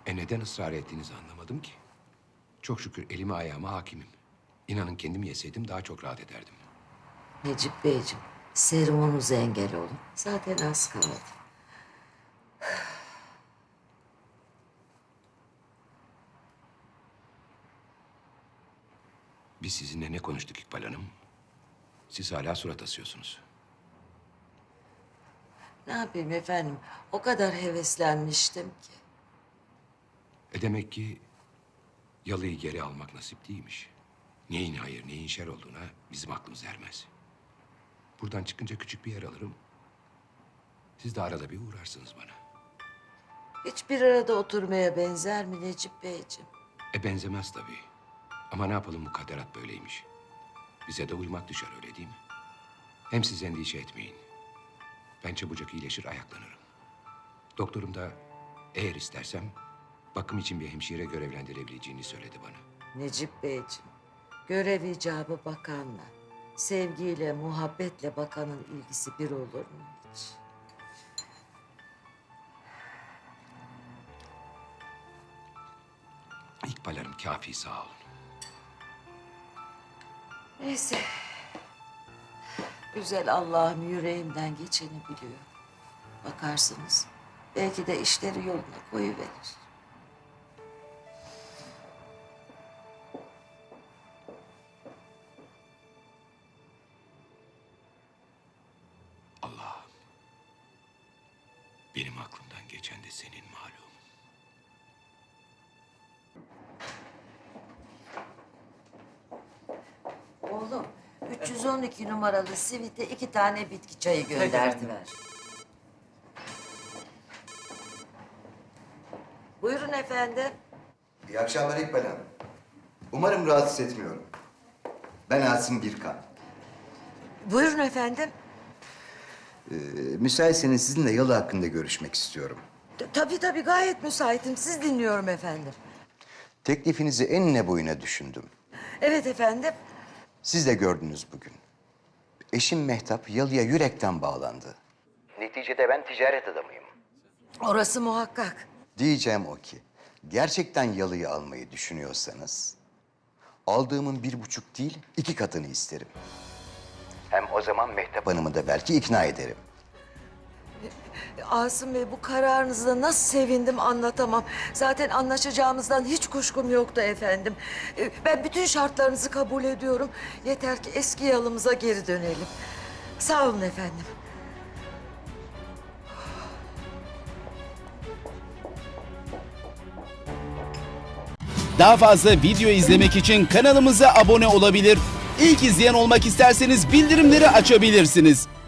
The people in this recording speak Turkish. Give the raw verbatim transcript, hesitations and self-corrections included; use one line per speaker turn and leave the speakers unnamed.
E neden ısrar ettiğinizi anlamadım ki. Çok şükür elime ayağıma hakimim. İnanın kendim yeseydim daha çok rahat ederdim.
Necip Beyciğim, serumunuza engel olun. Zaten az kaldı.
Biz sizinle ne konuştuk İkbal Hanım? Siz hala surat asıyorsunuz.
Ne yapayım efendim? O kadar heveslenmiştim ki.
E demek ki yalıyı geri almak nasip değilmiş. Neyin hayır, neyin şer olduğuna bizim aklımız ermez. Buradan çıkınca küçük bir yer alırım. Siz de arada bir uğrarsınız bana.
Hiçbir arada oturmaya benzer mi Necip Beyciğim?
E benzemez tabii. Ama ne yapalım, mukadderat böyleymiş. Bize de uymak düşer, öyle değil mi? Hem siz endişe etmeyin. Ben çabucak iyileşir, ayaklanırım. Doktorum da eğer istersem bakım için bir hemşire görevlendirebileceğini söyledi bana.
Necip Beyciğim, görev icabı bakanla, sevgiyle, muhabbetle bakanın ilgisi bir olur mu hiç?
İkbal Hanım kafi, sağ olun.
Neyse. Güzel Allah'ım yüreğimden geçeni biliyor. Bakarsınız belki de işleri yoluna koyuverir.
Allah'ım, benim aklımdan geçen de senin malum.
Oğlum, üç yüz on iki numaralı sivite iki tane bitki çayı gönderdiler. Buyurun efendim.
İyi akşamlar İkbal Hanım. Umarım rahatsız etmiyorum. Ben Asım Birkan.
Buyurun efendim.
Ee, müsaitseniz sizinle yalı hakkında görüşmek istiyorum.
T- Tabii tabii gayet müsaitim. Siz dinliyorum efendim.
Teklifinizi enine boyuna düşündüm.
Evet efendim.
Siz de gördünüz bugün. Eşim Mehtap yalıya yürekten bağlandı. Neticede ben ticaret adamıyım.
Orası muhakkak.
Diyeceğim o ki, gerçekten yalıyı almayı düşünüyorsanız... aldığımın bir buçuk değil, iki katını isterim. Hem o zaman Mehtap Hanım'ı da belki ikna ederim.
Asım Bey, bu kararınızda nasıl sevindim anlatamam. Zaten anlaşacağımızdan hiç kuşkum yoktu efendim. Ee, Ben bütün şartlarınızı kabul ediyorum. Yeter ki eski yalımıza geri dönelim. Sağ olun efendim.
Daha fazla video izlemek için kanalımıza abone olabilir. İlk izleyen olmak isterseniz bildirimleri açabilirsiniz.